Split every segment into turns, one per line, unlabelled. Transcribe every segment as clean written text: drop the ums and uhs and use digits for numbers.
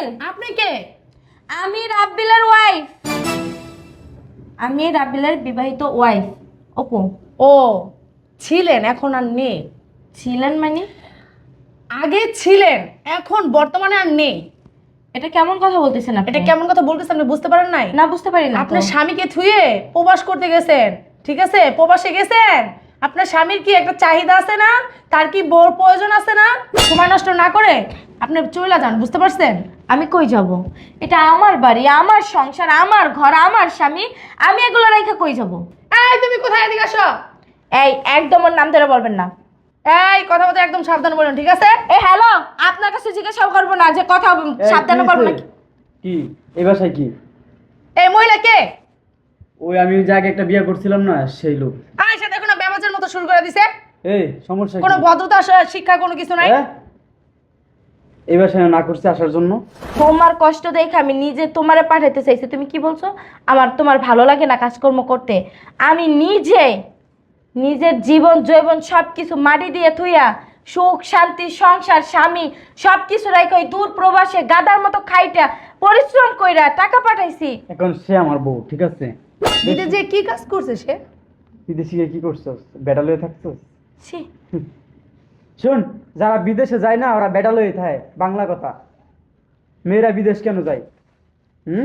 রাব্বিল,
আপনি কে?
আমি রাব্বিলের ওয়াইফ। আমি রাব্বিলের বিবাহিত ওয়াইফ। ওপো।
ও, ছিলেন এখন আর নেই।
ছিলেন মানে?
আগে ছিলেন, এখন বর্তমানে আর নেই।
এটা কেমন কথা বলতেছেন আপনি?
এটা কেমন কথা বলতেছেন আপনি বুঝতে পারেন নাই?
না, বুঝতে পারি না তো।
আপনার স্বামীকে থুয়ে প্রবাস করতে গেছেন, ঠিক আছে? প্রবাসে গেছেন। আপনার স্বামীর কি একটা চাহিদা আছে না? তার কি বউর প্রয়োজন আছে না? সময় নষ্ট না করে আপনি চলে যান, বুঝতে পারছেন?
আমি কই যাব? এটা আমার বাড়ি, আমার সংসার, আমার ঘর, আমার স্বামী। আমি এগুলো রেখে কই যাব?
এই তুমি কোথায়? এদিকে আসো।
এই, একদম ওর নাম ধরে বলবেন না।
এই কথা বলতে একদম সাবধান বলেন, ঠিক আছে?
এ হ্যালো, আপনার কাছে জিজ্ঞাসা করবো না যে কথা সাবধানে বলবো নাকি?
কি এই বাসায় কি?
এই মহিলা কে?
ওই আমি ওই জায়গায় একটা বিয়ে করছিলাম না, সেই লোক।
আয়সা দেখো না ব্যবচার মতো শুরু করে দিছে।
এই সমস্যা কি?
কোনো ভদ্রতা শিক্ষা কোনো কিছু নাই।
হ্যাঁ? এই বাসায় না করছে আসার জন্য?
তোমার কষ্ট দেখে আমি নিজে তোমারে পাঠাতে চাইছি, তুমি কি বলছো? তোমার ভালো লাগে না কাজকর্ম করতে? আমি নিজে নিজের জীবন জৈবন সব কিছু মাটি দিয়ে থুইয়া সুখ শান্তি সংসার স্বামী সব কিছু রাখে ওই দূর প্রবাসে গাদার মতো খাইটা পরিশ্রম কইরা টাকা পাঠাইছি।
এখন সে আমার বউ, ঠিক আছে?
দিদি যে কি কাজ করছে সে?
বিদেশি গিয়ে কি করছস? বেডাল হয়ে থাকছস?
ছি,
শোন, যারা বিদেশে যায় না ওরা বেডাল হয়ে থাকে, বাংলা কথা। মেয়েরা বিদেশ কেন যায়? হুম?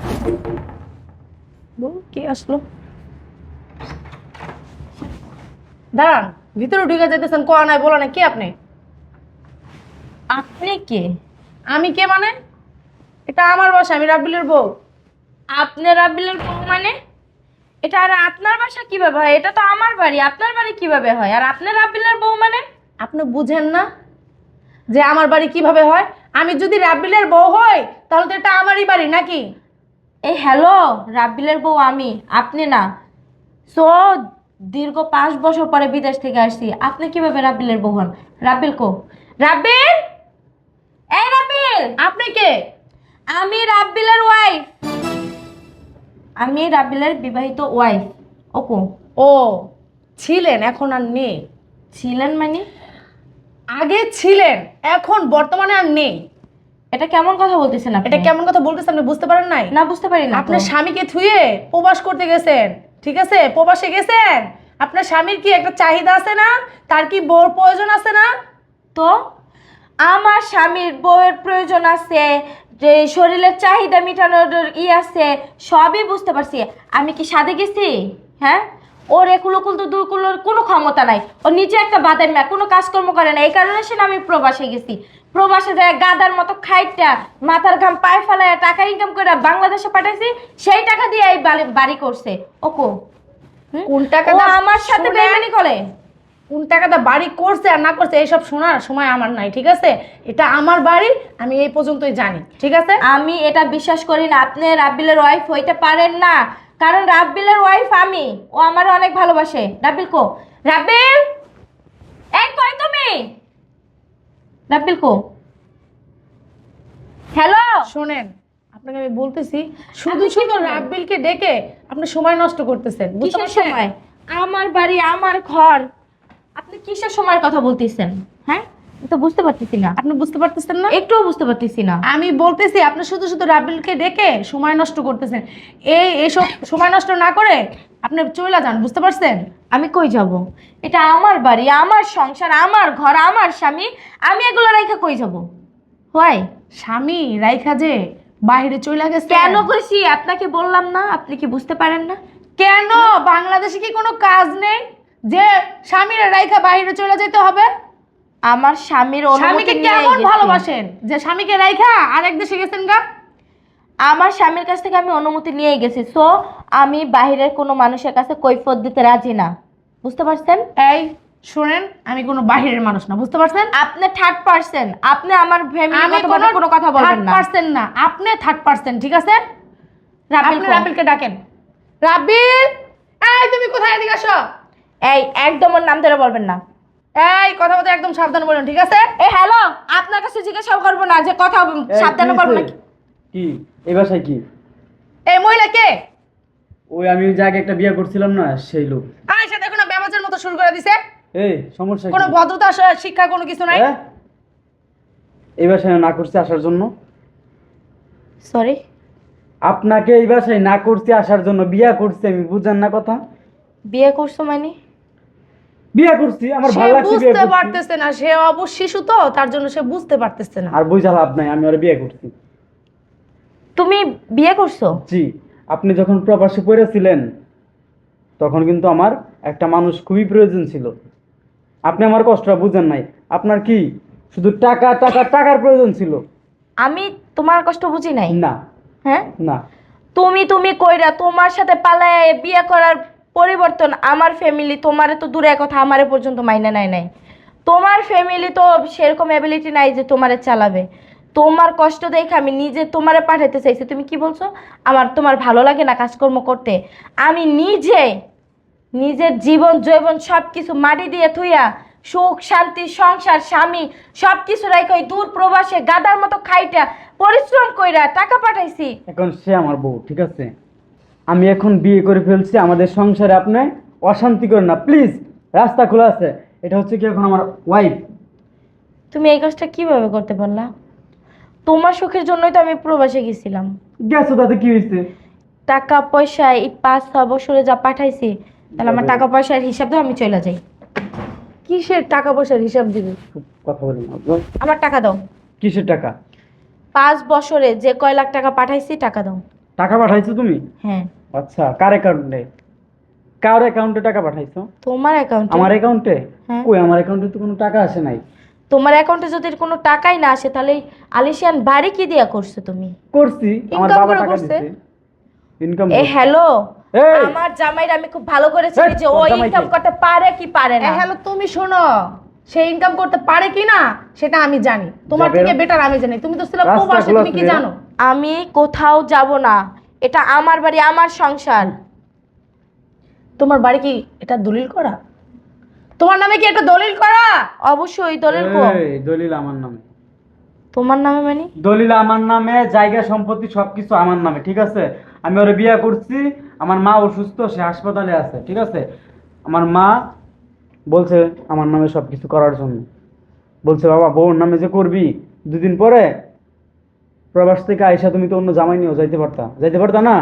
কি আসলো? দাঁড়ান, ভিতরে ঢুকে যেতেছেন, কোয়া নাই বলা নাই, কে আপনি?
আপনি কে?
আমি কে মানে? এটা আমার বাসা, আমি রাব্বিলের বউ।
আপনি রাব্বিলের বউ মানে? এটা আর আপনার বাসা কিভাবে হয়? এটা তো আমার বাড়ি, আপনার বাড়ি কিভাবে হয়? আর আপনি রাব্বিলের বউ মানে?
আপনি বুঝেন না যে আমার বাড়ি কিভাবে হয়? আমি যদি রাব্বিলের বউ হই তাহলে তো এটা আমারই বাড়ি নাকি?
এই হ্যালো, রাব্বিলের বউ আমি, আপনি না। সো দীর্ঘ 5 বছর পরে বিদেশ থেকে আসছি, আপনি কিভাবে রাব্বিলের বউ হন? রাব্বিল কো? রাব্বিল, এই রাব্বিল।
আপনি কে?
আমি রাব্বিলের ওয়াইফ। আমি রাব্বিলের বিবাহিত ওয়াইফ। ওকো।
ও, ছিলেন এখন আর নেই।
ছিলেন মানে?
আগে ছিলেন, এখন বর্তমানে আর নেই।
এটা কেমন কথা বলতেছেন আপনি?
এটা কেমন কথা বলতেছেন আপনি বুঝতে পারেন নাই?
না, বুঝতে পারি না তো।
আপনার স্বামীকে থুয়ে প্রবাস করতে গেছেন, ঠিক আছে? প্রবাসে গেছেন। আপনার স্বামীর কি একটা চাহিদা আছে না? তার কি বউর প্রয়োজন আছে না?
তো আমার স্বামীর বউয়ের প্রয়োজন আছে, যে শরীরের চাহিদা মেটানোর আছে, সবই বুঝতে পারছি। আমি কি সাধে গেছি? হ্যাঁ, ওর একুলোকুল তো দুকুলোর কোনো ক্ষমতা নাই। ও নিজে একটা বাদাম না, কোনো কাজকর্ম করে না, এই কারণে সে না আমি প্রবাসে গেছি। প্রবাসে যায় গাদার মতো খাইটা মাথার ঘাম পায়ে ফেলায় টাকা ইনকাম করে বাংলাদেশে পাঠাইছি, সেই টাকা দিয়ে এই বাড়ি করছে। ওকো।
কোন টাকা
ও আমার সাথে বেইমানি করে।
কোন টাকাটা বাড়ি করছে আর না করছে এইসব শোনার সময় আমার নাই, ঠিক আছে? এটা আমার বাড়ি, আমি এই পর্যন্তই জানি, ঠিক আছে?
আমি এটা বিশ্বাস করি না আপনি রাব্বিলের ওয়াইফ হইতে পারেন না, কারণ রাব্বিলের ওয়াইফ আমি। ও আমার অনেক ভালোবাসে। রাব্বিল কো? রাব্বিল, এই কই তুমি? রাব্বিল কো? হ্যালো,
শোনেন, আপনাকে আমি বলতেছি, শুধু শুধু রাব্বিলকে ডেকে আপনি সময় নষ্ট করতেছেন, বুঝতে
কিসের
পারছেন?
সময়? আমার বাড়ি, আমার ঘর, আপনি কিসের সময়ের কথা বলতেছেন? হ্যাঁ, আমি তো বুঝতে পারতেছি না।
আপনি বুঝতে পারতেছেন না?
একটুও বুঝতে পারতেছি না।
আমি বলতেছি আপনি শুধু শুধু রাব্বিলকে ডেকে সময় নষ্ট করতেছেন। এইসব সময় নষ্ট না করে আপনি চলে যান, বুঝতে পারছেন?
আমি কই যাব? এটা আমার বাড়ি, আমার সংসার, আমার ঘর, আমার স্বামী। আমি এগুলো রেখে কই যাব? হয়
স্বামী রাইখা যে বাইরে চলে গেছে।
কেন কইছি আপনাকে বললাম না? আপনি কি বুঝতে পারেন না?
কেন? বাংলাদেশে কি কোনো কাজ নেই যে স্বামীর রাইখা বাইরে চলে যেতে হবে?
আমার স্বামীর অনুমতি
স্বামীকে
নিয়ে
কেমন
গেছি।
ভালোবাসেন যে স্বামীকে রাইখা আরেক দেশে গেছেন গা?
আমার স্বামীর কাছ থেকে আমি অনুমতি নিয়ে গেছি, সো আমি বাইরের কোনো মানুষের কাছে কৈফিয়ত দিতে রাজি না, বুঝতে পারছেন?
এই শুনেন, আমি কোনো বাহিরের মানুষ না, বুঝতে পারছেন?
আপনি থার্ড পারসন, আপনি আমার ফ্যামিলি
আমি
কোনো কথা বলবেন না।
3rd না, আপনি 3rd, ঠিক আছে?
রাব্বিল
আপনি
কো?
রাব্বিলকে ডাকেন। রাব্বিল, এই তুমি কোথায়? এদিকে আসো।
এই, একদম ওর নাম ধরে বলবেন না।
এই কথা বলতে একদম সাবধান বলুন, ঠিক আছে?
এই হ্যালো, আপনার কাছে জিজ্ঞাসা করবো না যে কথা
এই,
সাবধানে
কি
বলবো
হইছে?
নাকি?
কি এই বাসায় কি?
এই মহিলা কে?
ওই আমি ওই জায়গায় একটা বিয়ে করছিলাম না, সেই লোক।
আয়সা দেখো না ব্যবচার মতো শুরু করে দিছে।
এই সমস্যা কি?
কোনো ভদ্রতা শিক্ষা কোনো কিছু নাই।
হ্যাঁ? এই বাসায় না করছে আসার জন্য?
সরি।
আপনাকে এই বাসায় না করছি আসার জন্য, বিয়া করছি আমি, বুঝেন না কথা?
বিয়ে করছো মানে?
বিয়া করছি, আমার
সে
ভালো লাগছে বিয়ে
বুঝতে
করছি।
পারতেছে না, সে অবশ্য শিশু তো, তার জন্য সে বুঝতে পারতেছে না।
আর বুঝা লাভ নাই, আমি ওরা বিয়ে করছি।
তুমি বিয়ে করছো?
জি, আপনি যখন প্রবাসে পড়েছিলেন তখন কিন্তু আমার একটা মানুষ খুবই প্রয়োজন ছিল। আপনি আমার কষ্টটা বুঝেন নাই। আপনার কি শুধু টাকা টাকা টাকার প্রয়োজন ছিল?
আমি তোমার কষ্ট বুঝি নাই।
না
হ্যাঁ,
না,
তুমি তুমি কইরা তোমার সাথে পালায় বিয়ে করার পরিবর্তন আমার ফ্যামিলি তোমারে তো দূরে কথা আমারে পর্যন্ত মাইনা নাই নাই। তোমার ফ্যামিলি তো সেরকম অ্যাবিলিটি নাই যে তোমারে চালাবে। তোমার কষ্ট দেখে আমি নিজে তোমারে পাঠাতে চাইছি। তুমি কি বলছো? তোমার ভালো লাগে না কাজকর্ম করতে? আমি নিজে নিজের জীবন জৈবন সব কিছু মাটি দিয়ে থুইয়া সুখ শান্তি সংসার স্বামী সব কিছু রাইখা ওই দূর প্রবাসে গাদার মতো খাইটা পরিশ্রম কইরা টাকা পাঠাইছি।
এখন সে আমার বউ, ঠিক আছে? আমি এখন বিয়ে করে ফেলছি, আমাদের সংসারে আপনি অশান্তি করেন না প্লিজ। রাস্তা খোলা আছে, এটা হচ্ছে কি এখন আমার ওয়াইফ।
তুমি এই কাজটা কিভাবে করতে পারলা? তোমার সুখের জন্যই তো আমি প্রবাসে গেছিলাম।
গেছো তাতে কি হয়েছে?
টাকা পয়সা এই 5-6 বছরে যা পাঠাইছি, তাহলে আমার টাকা পয়সার হিসাব দাও, আমি চলে যাই।
কিসের টাকা পয়সার হিসাব দিবে?
কথা বলি না।
আমার টাকা দাও।
কিসের টাকা?
5 বছরে যে কয় লাখ টাকা পাঠাইছি টাকা দাও।
টাকা পাঠাইছো তুমি?
হ্যাঁ।
আচ্ছা, কার অ্যাকাউন্টে? কার অ্যাকাউন্টে টাকা পাঠাইছো?
তোমার অ্যাকাউন্টে।
আমার অ্যাকাউন্টে?
হ্যাঁ।
কই, আমার অ্যাকাউন্টে তো কোনো টাকা আসে নাই।
তোমার অ্যাকাউন্টে যদি কোনো টাকাই না আসে তাহলে এই আলিশান বাড়ি কি দিয়া করছো তুমি?
করছি, আমার
Income
বাবা
করে
টাকা
করছে?
দিছে। ইনকাম
এ হ্যালো,
এই!
আমার জামাইরা আমি খুব ভালো করে চিনি
এই,
যে ও
তোর জামাই
ইনকাম
কে?
করতে পারে কি পারে না।
হ্যালো, তুমি শোনো, সে ইনকাম করতে পারে কি না সেটা আমি জানি, তোমার
যাবে
থেকে
না?
বেটার আমি জানি। তুমি তো ছিল
রাস্তা
প্রবাসী,
খোলা
তুমি কি
ছিল।
জানো?
আমি কোথাও যাব না, এটা আমার বাড়ি আমার সংসার।
তোমার বাড়ি কি এটা দলিল করা? তোমার নামে কি এটা দলিল করা?
অবশ্যই দলিল কো।
এই, দলিল আমার নামে।
তোমার নামে মানে?
দলিল আমার নামে, জায়গা সম্পত্তি সবকিছু আমার নামে, ঠিক আছে? আমি ওরে বিয়ে করছি, আমার মা অসুস্থ, সে হাসপাতালে আছে, ঠিক আছে? আমার মা বলছে আমার নামে সবকিছু করার জন্য। বলছে বাবা বউর নামে যে করবি, দুদিন পরে প্রবাস থেকে আইসা তুমি তো অন্য জামাই নিয়েও যাইতে পারতা না?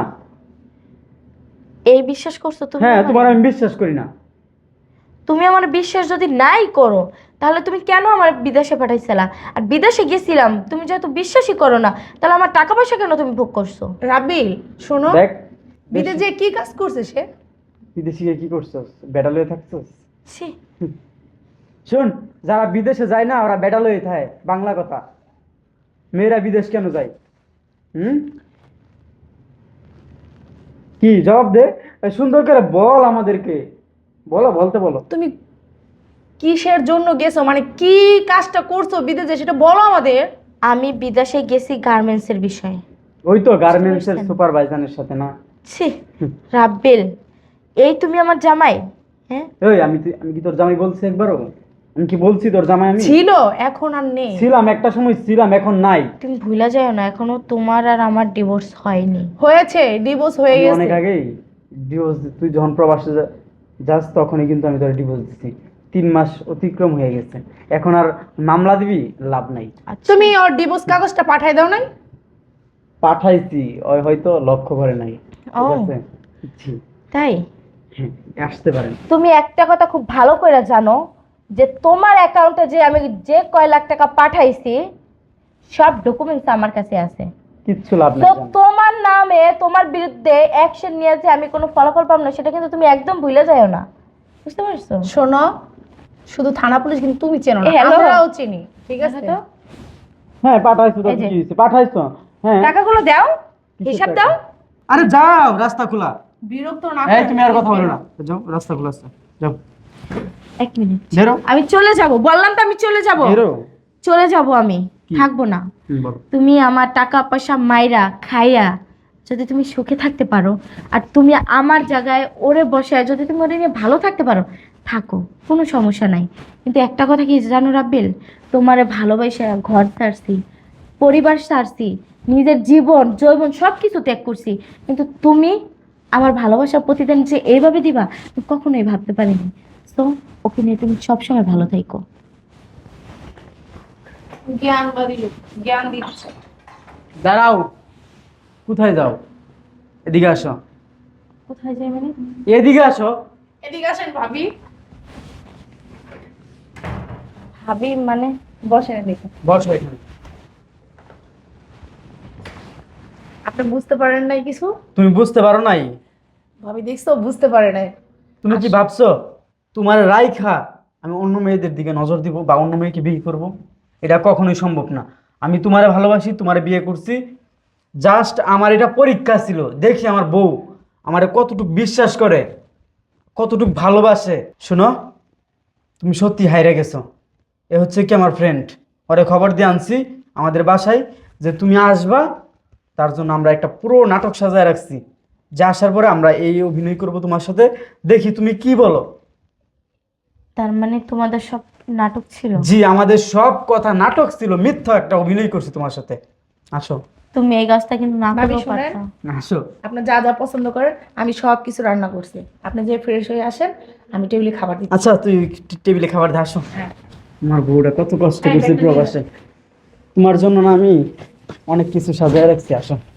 এই বিশ্বাস করছো তুমি
হ্যাঁ,
আমারে?
তোমার আমি বিশ্বাস করি না।
তুমি আমার বিশ্বাস যদি নাই করো তাহলে তুমি কেন আমার বিদেশে পাঠাইছিলা? আর বিদেশে গেছিলাম তুমি যেহেতু বিশ্বাসই করো না, তাহলে আমার টাকা পয়সা কেন তুমি ভোগ করছো?
রাবিল শোনো,
দেখ,
বিদেশে কি কাজ করছে সে?
বিদেশি গিয়ে কি করছস? বেডাল হয়ে থাকছস?
ছি।
শোন, যারা বিদেশে যায় না ওরা বেডাল হয়ে থাকে, বাংলা কথা। মেয়েরা বিদেশ কেন যায়? কি জবাব দে, এই সুন্দর করে বল আমাদেরকে, বলো।
তুমি কিসের জন্য গেছো, মানে কি কাজটা করছো বিদেশে সেটা বলো আমাদের।
আমি বিদেশে গেছি গার্মেন্টসের বিষয়ে।
ওই তো গার্মেন্টস এর
বুঝতে পারছেন?
সুপারভাইজারের সাথে না?
ছি, রাব্বিল, এই তুমি আমার জামাই? হ্যাঁ,
এই আমি কি তোর জামাই বলছি একবারও? আমি কি বলছি তোর জামাই? আমি
ছিল, এখন আর নেই।
ছিলাম, একটা সময় ছিলাম, এখন নাই।
তুমি ভুলা যাও না এখনো তোমার আর আমার ডিভোর্স হয়নি।
হয়েছে, ডিভোর্স হয়ে
আমি
গেছে।
অনেক আগেই ডিভোর্স, তুই যখন প্রবাসে যাস তখনই কিন্তু আমি তোর ডিভোর্স দিছি। 3 মাস অতিক্রম হয়ে গেছে, এখন আর মামলা দিবি লাভ নাই।
আচ্ছা,
তুমি ওর ডিভোর্স কাগজটা পাঠাই দাও নাই?
পাঠাইছি, ওই হয়তো লক্ষ্য করে নাই, ঠিক
ও।
আছে? জি,
তাই?
হ্যাঁ, আসতে পারেন।
তুমি একটা কথা খুব ভালো করে জানো যে তোমার অ্যাকাউন্টে যে আমি যে কয় লাখ টাকা পাঠাইছি সব ডকুমেন্টস আমার কাছে আছে।
কিচ্ছু লাভ
তো
নাই জান।
তোমার নামে তোমার বিরুদ্ধে অ্যাকশন নিয়ে যে আমি কোনো ফলাফল পাবো না সেটা কিন্তু তুমি একদম ভুলে যাও না, বুঝতে পারছো?
শোনো, শুধু থানা পুলিশ কিন্তু তুমি চেনো না,
হ্যালো।
আমরাও চিনি, ঠিক আছে?
তো
হ্যাঁ, পাঠাইছো তো,
এই যে।
কি হয়েছে? পাঠাইছো, হ্যাঁ।
টাকাগুলো দাও,
কিসের
হিসাব
টাকা?
দাও।
আরে যাও, রাস্তা খোলা।
বিরক্ত না
এই
করো।
তুমি আর কথা বলো না, যাও, রাস্তা খোলা আছে, যাও,
এক মিনিট,
বেরো,
আমি চলে যাব, বললাম তো আমি চলে যাব।
বেরো।
চলে যাব, আমি
কি?
থাকবো না।
বলো।
তুমি আমার টাকা পয়সা মাইরা খাইয়া যদি তুমি সুখে থাকতে পারো, আর তুমি আমার জায়গায় ওরে বসায় যদি তুমি ওরে নিয়ে ভালো থাকতে পারো, থাকো, কোনো সমস্যা নাই। কিন্তু একটা কথা কি জানো রাব্বিল, তোমারে ভালোবাসা ঘর ছাড়ছি, পরিবার ছাড়ছি, নিজের জীবন যৌবন সব কিছু ত্যাগ করছি, কিন্তু তুমি আমার ভালোবাসার প্রতিদান যে এইভাবে দিবা আমি কখনোই ভাবতে পারিনি। তো ওকে নিয়ে তুমি সবসময় ভালো থাকো।
জ্ঞান দিচ্ছে।
দাঁড়াও, কোথায় যাও? এদিকে আসো।
কোথায় যাই মানে?
এদিকে আসো।
এদিকে আসেন ভাবি।
ভাবি মানে? বসেন এদিকে।
বসো এখানে।
আপনি বুঝতে পারেন নাই কিছু?
তুমি বুঝতে পারো নাই?
ভাবি দেখছো বুঝতে পারে নাই।
তুমি কি ভাবছো তোমার রাইখা আমি অন্য মেয়েদের দিকে নজর দিব বা অন্য মেয়েকে বিয়ে করব? এটা কখনোই সম্ভব না। আমি তোমারে ভালোবাসি, তোমারে বিয়ে করছি। জাস্ট আমার এটা পরীক্ষা ছিল, দেখি আমার বউ আমারে কতটুকু বিশ্বাস করে, কতটুকু ভালোবাসে। শোনো, তুমি সত্যি হাইরে গেছো। এ হচ্ছে কি আমার ফ্রেন্ড, ওরে খবর দিয়ে আনছি আমাদের বাসায় যে তুমি আসবা। তার জন্য আমরা একটা পুরো নাটক সাজায় রাখছি, যে আসার পরে আমরা এই অভিনয় করব তোমার সাথে। দেখি তুমি কি বলো।
তার মানে তোমাদের সব নাটক ছিল?
জি, আমাদের সব কথা নাটক ছিল, মিথ্যা একটা অভিনয় করছি তোমার সাথে। আসো।
তুমি এই কাজটা কিন্তু না
ভাবি
করলেও
শুনেন,
পারতা।
আসো।
আপনি যা যা পছন্দ করেন আমি সব কিছু রান্না করছি। আপনি যে ফ্রেশ হয়ে আসেন, আমি টেবিলে খাবার দিচ্ছি।
আচ্ছা, তুই টেবিলে খাবার দিয়ে আসো।
হ্যাঁ।
আমার বউটা কত কষ্ট
হ্যাঁ,
করছে
ব্যাগটা নিয়ে
প্রবাসে, তোমার জন্য না আমি অনেক কিছু সাজায় রাখছি। আসো।